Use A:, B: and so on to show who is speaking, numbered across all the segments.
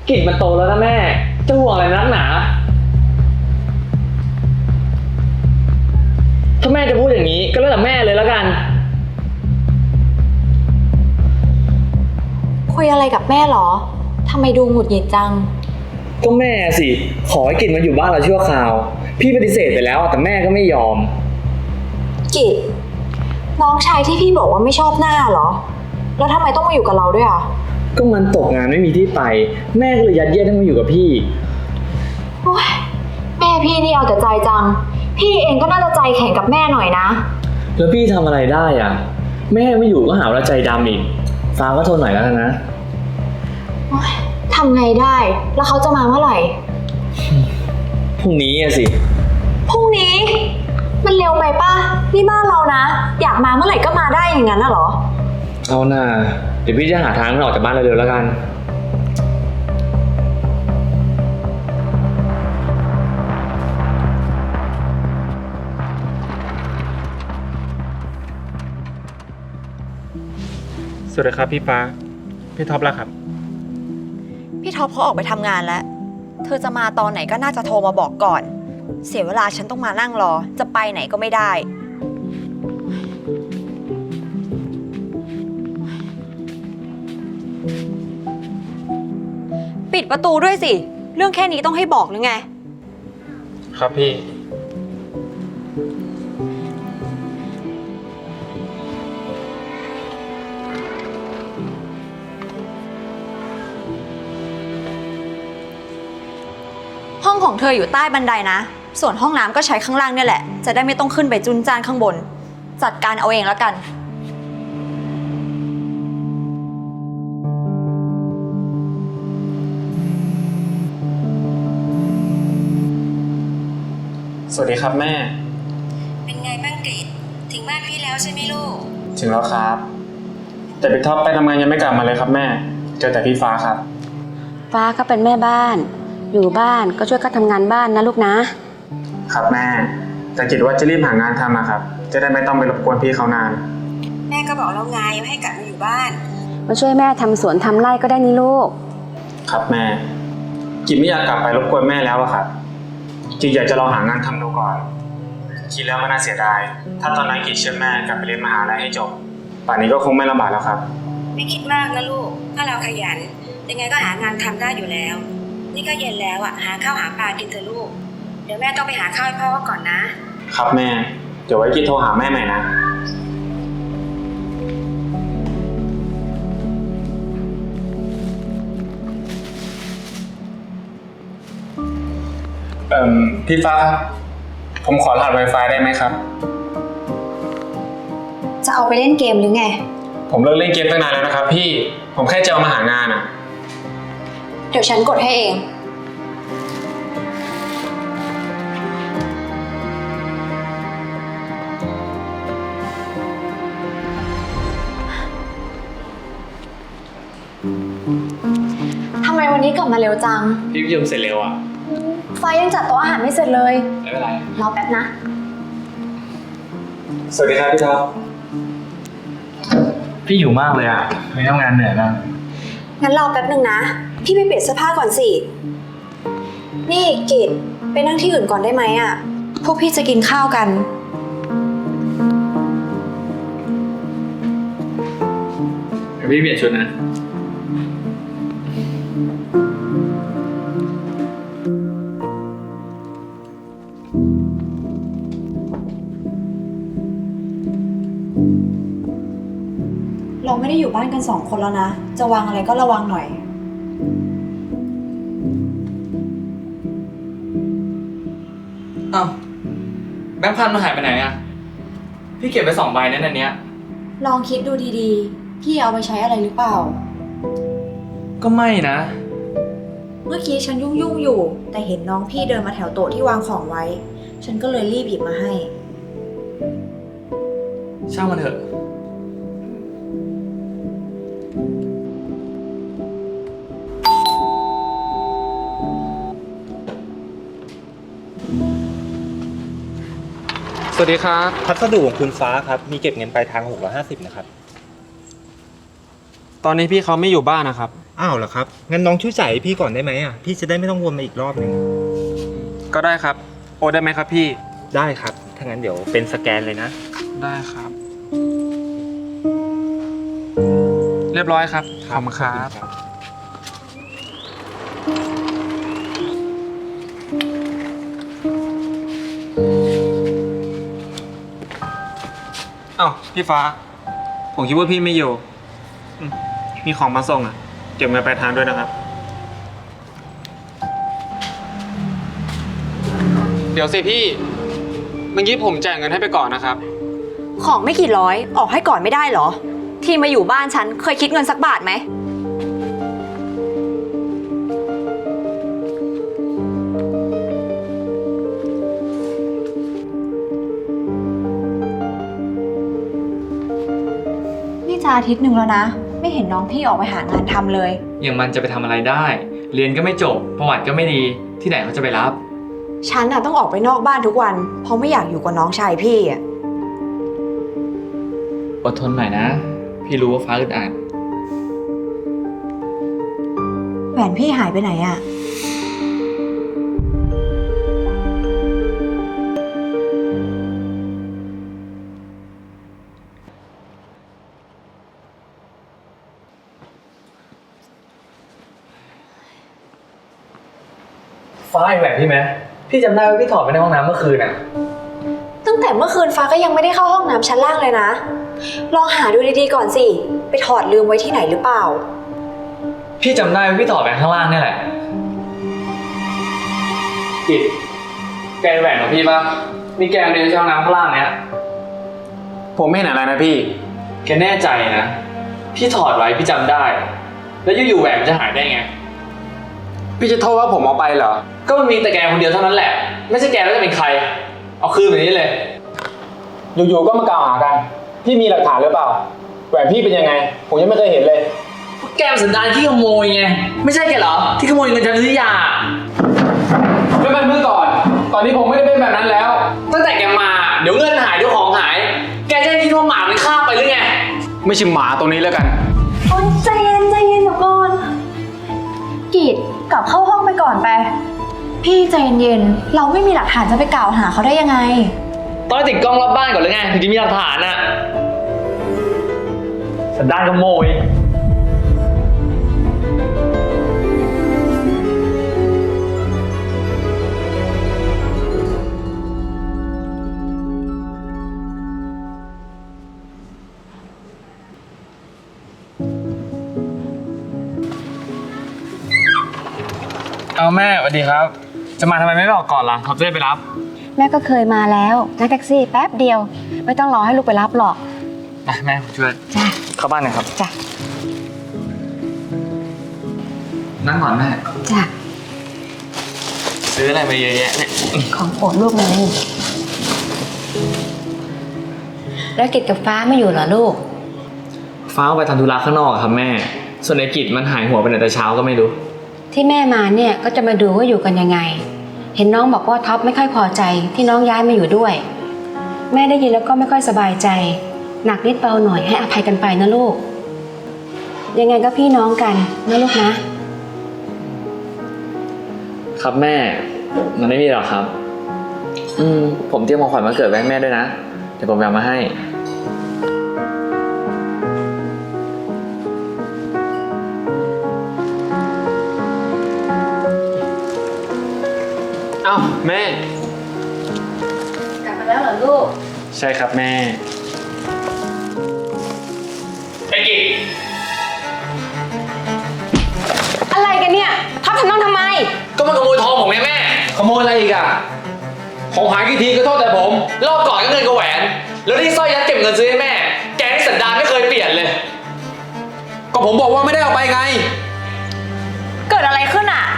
A: กิ่งมันโตแล้วนะแม่จะห่วงอะไรนักหนาถ้าแม่จะพูดอย่างนี้ก็แล้วแต่แม่เลยแล้วกัน
B: คุยอะไรกับแม่หรอทำไมดูหงุดหงิดจัง
A: ก็แม่สิขอให้กิ่งมาอยู่บ้านเราชั่วคราวพี่ปฏิเสธไปแล้วแต่แม่ก็ไม่ยอม
B: กิจน้องชายที่พี่บอกว่าไม่ชอบหน้าเหรอแล้วทำไมต้องมาอยู่กับเราด้วยอ่ะ
A: ก็มันตกงานไม่มีที่ไปแม่ก็เลยยัดเยียดให้มาอยู่กับพี่
B: โอ๊ยแม่พี่นี่เอาแต่ใจจังพี่เองก็น่าจะใจแข็งกับแม่หน่อยนะ
A: แล้วพี่ทำอะไรได้อ่ะแม่ไม่อยู่ก็หาว่าใจดำอีกฟ้าก็ทนหน่อยแล้วกันนะ
B: ทำไงได้แล้วเขาจะมาเมื่อไหร่
A: พรุ่งนี้สิ
B: พรุ่งนี้มันเร็วไปป่ะนี่บ้านเรานะอยากมาเมื่อไหร่ก็มาได้อย่างนั้นน่ะเหรอ
A: เอาหน่าเดี๋ยวพี่จะหาทางออกจากบ้านเร็วๆแล้วกัน
C: สวัสดีครับพี่ฟ้าพี่ท็อปแล้วครับ
D: พี่ท็อปเขาออกไปทำงานแล้วเธอจะมาตอนไหนก็น่าจะโทรมาบอกก่อนเสียเวลาฉันต้องมานั่งรอจะไปไหนก็ไม่ได้ปิดประตูด้วยสิเรื่องแค่นี้ต้องให้บอกหรือไง
C: ครับพี่
D: ห้องของเธออยู่ใต้บันไดนะส่วนห้องน้ำก็ใช้ข้างล่างเนี่ยแหละจะได้ไม่ต้องขึ้นไปจุนจ้านข้างบนจัดการเอาเองแล้วกัน
C: สวัสดีครับแม่
E: เป็นไงบ้างกฤษถึงบ้านพี่แล้วใช่ไหมลูก
C: ถึงแล้วครับแต่พี่ท็อปไปทำงานยังไม่กลับมาเลยครับแม่เจอแต่พี่ฟ้าครับ
F: ฟ้าก็เป็นแม่บ้านอยู่บ้านก็ช่วยกันทำงานบ้านนะลูกนะครับ
C: แม่แต่คิดว่าจะรีบหางานทำนะครับจะได้ไม่ต้องไปรบกวนพี่เขานาน
E: แม่ก็บอกแล้วไงว่าให้กลับมาอยู่บ้าน
F: มาช่วยแม่ทำสวนทำไร่ก็ได้นี่ลูก
C: ครับแม่กิจไม่อยากกลับไปรบกวนแม่แล้วอะครับกิจอยากจะลองหางานทำดูก่อนคิดแล้วมันน่าเสียดายถ้าตอนนั้นกิจเชื่อแม่กลับไปเรียนมหาลัยให้จบป่านนี้ก็คงไม่ลำบากแล้วครับ
E: ไม่คิดมากนะลูกถ้าเราขยันยังไงก็หางานทำได้อยู่แล้วนี่ก็เย็นแล้วอ่ะหาข้าวหาปลากินเถอะลูกเดี๋ยวแม่ต้องไปหาข้าวให้พ่อก่อนนะครับ
C: แม่เดี๋ยวไว้กิจโทรหาแม่ใหม่นะพี่ฟ้าครับผมขอรหัส Wi-Fi ได้ไหมครับ
B: จะเอาไปเล่นเกมหรือไง
C: ผมเลิกเล่นเกมตั้งนานแล้วนะครับพี่ผมแค่จะเอามาหางานอ่ะ
B: เดี๋ยวฉันกดให้เองทำไมวันนี้กลับมาเร็วจัง
A: พี่ประชุมเสร็จเร็วอ่ะ
B: ฟ้ายังจัดโต๊ะอาหารไม่เสร็จเลย
A: ไม่เป็นไร
B: รอแป๊บนะ
C: สวัสดีครับพี่ท็อปพี่อยู่มากเลยอ่ะไม่ทำงานเหนื่อยมาก
B: งั้นรอแป๊บนึงนะพี่ไปเปลี่ยนเสื้อผ้าก่อนสินี่กิจไปนั่งที่อื่นก่อนได้ไหมอ่ะพวกพี่จะกินข้าวกัน
A: พี่เปลี่ยนชุดนะ
B: เราไม่ได้อยู่บ้านกัน2 คนแล้วนะจะวางอะไรก็ระวังหน่อย
A: อ้าวแบงค์พันมาหายไปไหนอ่ะพี่เก็บไป2 ใบนั่นอันเนี้ย
B: ลองคิดดูดีๆพี่เอาไปใช้อะไรหรือเปล่า
A: ก็ไม่นะ
B: เมื่อกี้ฉันยุ่งอยู่แต่เห็นน้องพี่เดินมาแถวโต๊ะที่วางของไว้ฉันก็เลยรีบหยิบมาให้
A: ช่างมันเถอะ
C: สวัสดีครับ
G: พัสดุของคุณฟ้าครับมีเก็บเงินปลายทาง650นะครับ
C: ตอนนี้พี่เขาไม่อยู่บ้านนะครับ
G: อ้าวเหรอครับ งั้นน้องช่วยจ่ายให้พี่ก่อนได้ไหมอ่ะ พี่จะได้ไม่ต้องวนมาอีกรอบหนึ่ง
C: ก็ได้ครับ โอนได้ไหมครับพี่
G: ได้ครับ ถ้างั้นเดี๋ยวเป็นสแกนเลยนะ
C: ได้ครับ เรียบร้อยครับ ขอบคุณครับ เอ้าพี่ฟ้า ผมคิดว่าพี่ไม่อยู่มีของมาส่งอ่ะ เก็บเงินปลายทางด้วยนะครับ เดี๋ยวสิพี่ เมื่อกี้ผมจ่ายเงินให้ไปก่อนนะครับ
D: ของไม่กี่ร้อยออกให้ก่อนไม่ได้เหรอ ที่มาอยู่บ้านฉันเคยคิดเงินสักบาทไหม นี่จะอาทิตย์หนึ่งแล้วนะ ไม่เห็นน้องพี่ออกไปหางานทำเลย
A: อย่างมันจะไปทำอะไรได้ เรียนก็ไม่จบ ประวัติก็ไม่ดี ที่ไหนเขาจะไปรับ
B: ฉันน่ะต้องออกไปนอกบ้านทุกวัน เพราะไม่อยากอยู่กับน้องชายพี่อะ
A: อดทนหน่อยนะ พี่รู้ว่าฟ้าอึดอัด
B: แหวนพี่หายไปไหนอะ
A: ฟ้าเห็นแหวนพี่ไหมพี่จำได้ว่าพี่ถอดไปในห้องน้ำเมื่อคืนอ่ะ
B: ตั้งแต่เมื่อคืนฟ้าก็ยังไม่ได้เข้าห้องน้ำชั้นล่างเลยนะ ลองหาดูดีๆก่อนสิ ไปถอดลืมไว้ที่ไหนหรือเปล่า
A: พี่จำได้ว่าพี่ถอดไปข้างล่างนี่แหละกิดแกเป็นแหวนของพี่ปะมีแกเดินช่องน้ำข้างล่างเนี้ย
C: ผมไม่เห็นอะไรนะพี่
A: แกแน่ใจนะ พี่ถอดไว้พี่จำได้ แล้วอยู่ๆแหวนมันจะหายได้ไง
C: พี่จะโทษว่าผมเอาไปเหรอ
A: ก็มันมีแต่แกคนเดียวเท่านั้นแหละ ไม่ใช่แกแล้วจะเป็นใคร เอาคืนแบบนี้เลย
C: อยู่ๆก็มากล่าวหากัน พี่มีหลักฐานหรือเปล่า แหวนพี่เป็นยังไง ผมยังไม่เคยเห็นเลย
A: แกมนสันดานที่ขโมยไง ไม่ใช่แกเหรอ ที่ขโมยเงินฉันซื้อยา
C: ไม่เป็นเมื่อก่อน ตอนนี้ผมไม่ได้เป็นแบบนั้นแล้ว
A: ตั้งแต่แกมาเดี๋ยวเงินหายเดี๋ยวของหาย แกจะให้คิดว่าหมามันฆ่าไปหรือไง
C: ไม่ใช่หมาตัวนี้แล้วกัน
B: โอ๊ยใจเย็นเดี๋ยวก่อนกีดกลับเข้าห้องไปก่อนไป พี่ใจเย็นๆเราไม่มีหลักฐานจะไปกล่าวหาเขาได้ยังไง
A: ต้องติดกล้องรอบบ้านก่อนหรือไงถึงจะมีหลักฐานอะสันดานขโมย เอาแม่สวัสดีครับ จะมาทำไมไม่บอกก่อนล่ะเขาจะได้ไปรับ
F: แม่ก็เคยมาแล้วนั่งแท็กซี่แป๊บเดียว ไม่ต้องรอให้ลูกไปรับหรอก
A: ไปแม่ผมช่วย
F: จ้ะ
A: เข้าบ้านหน่อยครับ
F: จ้ะ
A: นั่งก่อนแม่
F: จ้ะ
A: ซื้ออะไรมาเยอะแยะเนี่ย
F: ของโปรดลูกเลยแล้วกิจกับฟ้าไม่อยู่เหรอลูก
A: ฟ้าเอาไปทำธุระข้างนอกอะครับแม่ ส่วนไอ้กิจมันหายหัวไปไหนแต่เช้าก็ไม่รู้
F: ที่แม่มาเนี่ยก็จะมาดูว่าอยู่กันยังไง เห็นน้องบอกว่าท็อปไม่ค่อยพอใจที่น้องย้ายมาอยู่ด้วย แม่ได้ยินแล้วก็ไม่ค่อยสบายใจ หนักนิดเบาหน่อยให้อภัยกันไปนะลูก ยังไงก็พี่น้องกันนะลูกนะ
A: ครับแม่ มันไม่มีหรอกครับ ผมเตรียมของขวัญมาเกิดไว้ให้แม่ด้วยนะ เดี๋ยวผมเอามาให้
C: เอ้าแม่
F: กลับมาแล้วเหรอลูก
C: ใช่ครับแม่
A: ไอ้กิจ
D: อะไรกันเนี่ยท็อปทำน้องทำไม
A: ก็มันขโมยทองผมไงแม่ ขโมยอะไรอีกอะของหายกี่ทีก็โทษแต่ผม รอบก่อนก็เงินกับแหวน แล้วที่สร้อยยัดเก็บเงินซื้อให้แม่ แกนี่สันดานไม่เคยเปลี่ยนเลย
C: ก็ผมบอกว่าไม่ได้เอาไปไง
D: เกิดอะไรขึ้นอ่ะ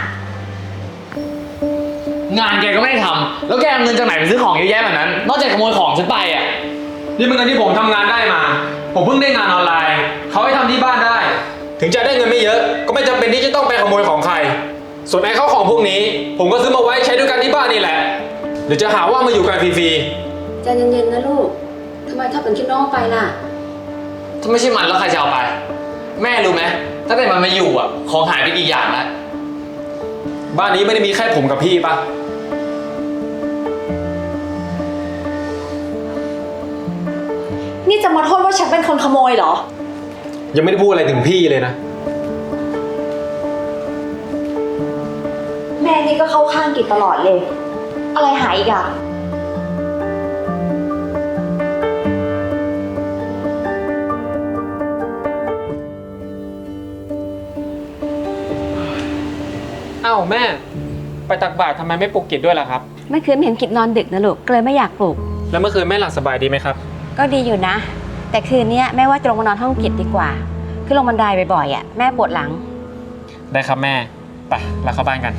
A: งานแกก็ไม่ได้ทำ แล้วแกเอาเงินจากไหนไปซื้อของเยอะแยะแบบนั้น นอกจากขโมยของฉันไปอะ
C: นี่เป็นเงินที่ผมทำงานได้มา ผมเพิ่งได้งานออนไลน์ เขาให้ทำที่บ้านได้ ถึงจะได้เงินไม่เยอะ ก็ไม่จำเป็นที่จะต้องไปขโมยของใคร ส่วนไอ้ข้าวของพวกนี้ ผมก็ซื้อมาไว้ใช้ด้วยกันที่บ้านนี่แหละ เดี๋ยวจะหาว่ามาอยู่กันฟรี
F: ใจเย็นๆนะลูกทำไมถ้าเป็นคิดน้องไปล่ะ
A: ถ้าไม่ใช่มันแล้วใครจะเอาไป แม่รู้ไหมตั้งแต่มันมาอยู่อ่ะของหายไปกี่อย่างแล้ว
C: บ้านนี้ไม่ได้มีแค่ผมกับพี่ปะ
B: นี่จะมาโทษว่าฉันเป็นคนขโมยเหรอ
C: ยังไม่ได้พูดอะไรถึงพี่เลยนะ
B: แม่นี่ก็เข้าข้างกิจตลอดเลย อะไรหายอีกอะ
C: อ้าวแม่ ไปตักบาตรทำไมไม่ปลุกกิจด้วยล่ะครับ
F: เมื่อคืนเห็นกิจนอนดึกนะลูกก็เลยไม่อยากปลุก
C: แล้วเมื่อคืนแม่หลับสบายดีไหมครับ
F: ก็ดีอยู่นะ แต่คืนนี้แม่ว่าจะลงมานอนห้องกิจดีกว่าขึ้นลงบันไดบ่อยๆอ่ะแม่ปวดหลัง
C: ได้ครับแม่ ไปเราเข้าบ้านกัน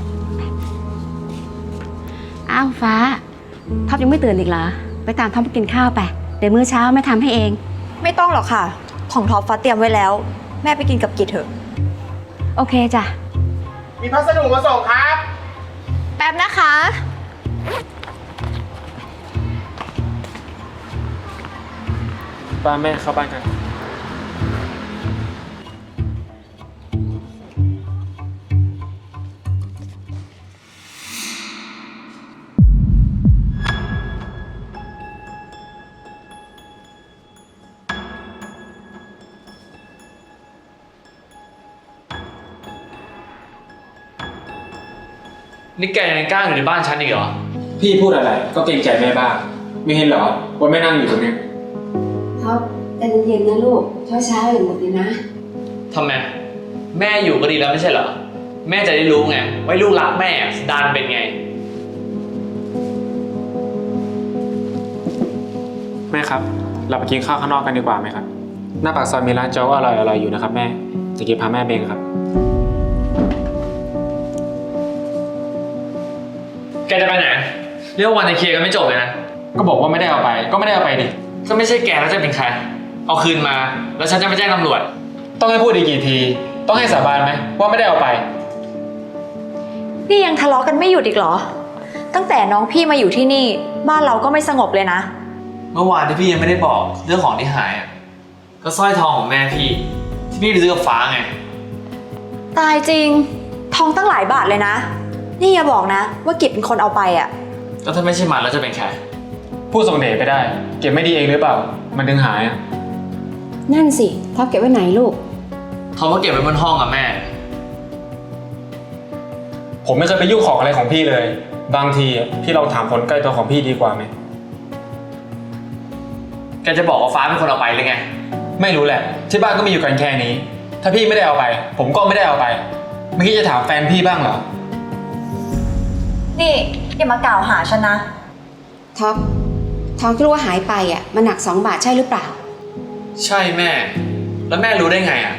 F: อ้าวฟ้าท็อปยังไม่ตื่นอีกเหรอไปตามท็อปไปกินข้าวไปเดี๋ยวมื้อเช้าแม่ทำให้เอง
D: ไม่ต้องหรอกค่ะ ของท็อปฟ้าเตรียมไว้แล้ว แม่ไปกินกับกิจเถอะ
F: โอเคจ้ะ
H: มีพัสดุมาส่งครับ
D: แป๊บนะคะ
C: ป้าแม่เข้าบ้านกัน
A: นี่แกยังกล้าอยู่ในบ้านฉันอีกเหรอ
C: พี่พูดอะไรก็เกรงใจแม่บ้าง ไม่เห็นเหรอว่าแม่นั่งอยู่ตรงนี้
F: ท็อปใจเย็นๆนะลูกเช้าๆอย่างหมดเลยนะ
A: ทำไม แม่อยู่ก็ดีแล้วไม่ใช่เหรอ แม่จะได้รู้ไงว่าลูกรักแม่สันดานเป็นไง
C: แม่ครับ เราไปกินข้าวข้างนอกกันดีกว่าไหมครับ หน้าปากซอยมีร้านโจ๊กอร่อยๆอยู่นะครับแม่ จะกินพาแม่เบงครับ
A: แกจะไปไหนเรียกว่าวันจะเคลียร์กันไม่จบเลยนะ
C: ก็บอกว่าไม่ได้เอาไป ก็ไม่ได้เอาไปดิ
A: ก็ไม่ใช่แกแล้วจะเป็นใคร เอาคืนมา แล้วฉันจะไปแจ้งตำรวจ
C: ต้องให้พูดอีกกี่ที ต้องให้สาบานไหมว่าไม่ได้เอาไป
D: นี่ยังทะเลาะกันไม่หยุดอีกเหรอ ตั้งแต่น้องพี่มาอยู่ที่นี่ บ้านเราก็ไม่สงบเลยนะ
A: เมื่อวานที่พี่ยังไม่ได้บอกเรื่องของที่หายอ่ะ ก็สร้อยทองของแม่พี่ ที่พี่ไปซื้อกับฟ้าไง
D: ตายจริง ทองตั้งหลายบาทเลยนะ นี่อย่าบอกนะ ว่ากิจเป็นคนเอาไปอ่ะ
A: ก็ถ้าไม่ใช่มันแล้วจะเป็นใคร
C: พูดส่งเดชไปได้ เก็บไม่ดีเองหรือเปล่า มันถึงหายอ่ะ
F: นั่นสิท็อปเก็บไว้ไหนลูก
A: เขามาเก็บไว้บนห้องกับแม่
C: ผมไม่เคยไปยุ่งของอะไรของพี่เลย บางทีพี่ลองถามคนใกล้ตัวของพี่ดีกว่าไหม
A: แกจะบอกว่าฟ้าเป็นคนเอาไปหรือไง
C: ไม่รู้แหละ ที่บ้านก็มีอยู่กันแค่นี้ ถ้าพี่ไม่ได้เอาไป ผมก็ไม่ได้เอาไป ไม่คิดจะถามแฟนพี่บ้างเหรอ
D: นี่อย่ามากล่าวหาฉันนะ
F: ท็อปทองที่รู้ว่าหายไปอ่ะมันหนัก2 บาทใช่หรือเปล่า
A: ใช่แม่ แล้วแม่รู้ได้ไงอ่ะ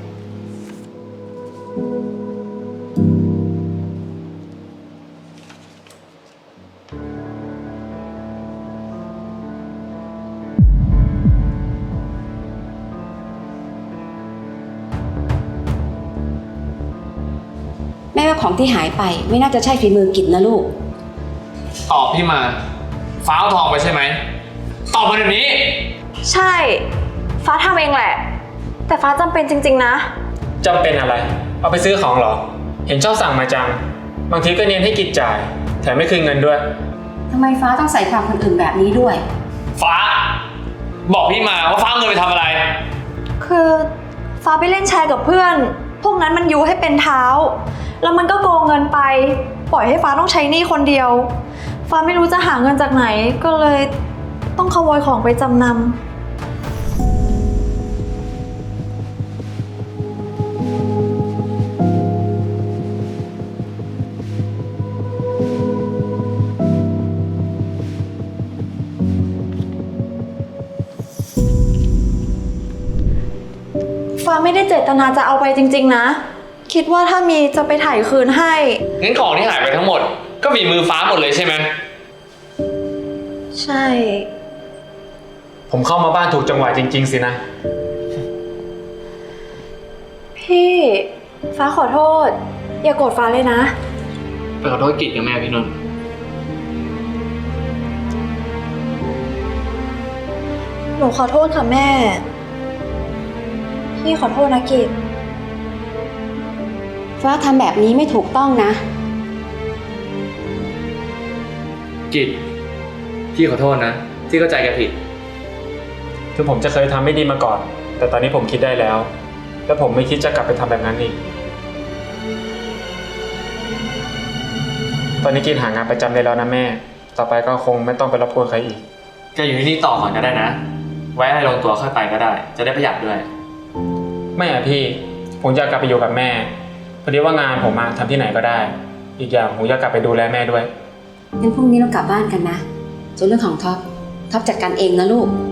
F: แม่ว่าของที่หายไปไม่น่าจะใช่ฝีมือกิจนะลูก
A: ตอบพี่มา ฟ้าเอาทองไปใช่ไหม ตอบมาเดี๋ยวนี้
D: ใช่ ฟ้าทำเองแหละ แต่ฟ้าจำเป็นจริงๆนะ
C: จำเป็นอะไร เอาไปซื้อของเหรอ เห็นชอบสั่งมาจัง บางทีก็เนียนให้กิจจ่าย แถมไม่คืนเงินด้วย
F: ทำไมฟ้าต้องใส่ความคนอื่นแบบนี้ด้วย
A: ฟ้า บอกพี่มาว่าฟ้าเอาเงินไปทำอะไร
D: คือฟ้าไปเล่นแชร์กับเพื่อน พวกนั้นมันยุให้เป็นเท้า แล้วมันก็โกงเงินไป ปล่อยให้ฟ้าต้องใช้หนี้คนเดียว ฟ้าไม่รู้จะหาเงินจากไหน ก็เลยต้องขโมยของไปจำนำ ฟ้าไม่ได้เจตนาจะเอาไปจริงๆนะ คิดว่าถ้ามีจะไปถ่ายคืนให้
A: งั้นของที่หายไปทั้งหมด ก็มีมือฟ้าหมดเลยใช่ไหม
D: ใช่
C: ผมเข้ามาบ้านถูกจังหวะจริง ๆ สินะ
D: พี่ ฟ้าขอโทษ อย่าโกรธฟ้าเลยนะ
A: ไปขอโทษกิจกับแม่พี่นนท์
D: หนูขอโทษค่ะแม่ พี่ขอโทษนะกิจ
F: ฟ้าทำแบบนี้ไม่ถูกต้องนะ
A: กิจพี่ขอโทษนะ ที่เข้าใจแกผิด
C: คือผมจะเคยทำไม่ดีมาก่อน แต่ตอนนี้ผมคิดได้แล้ว และผมไม่คิดจะกลับไปทำแบบนั้นอีก ตอนนี้กินหางานประจำได้แล้วนะแม่ ต่อไปก็คงไม่ต้องไปรบกวนใครอีก
A: แกอยู่ที่นี่ต่อก่อนก็ได้นะ ไว้ให้ลงตัวค่อยไปก็ได้ จะได้ประหยัดด้วย
C: ไม่อะพี่ ผมอยากกลับไปอยู่กับแม่ พอดีว่างานผมทำที่ไหนก็ได้ อีกอย่างผมอยากกลับไปดูแลแม่ด้วย
F: งั้นพรุ่งนี้เรากลับบ้านกันนะ ส่วนเรื่องของท็อปจัดการเองนะลูก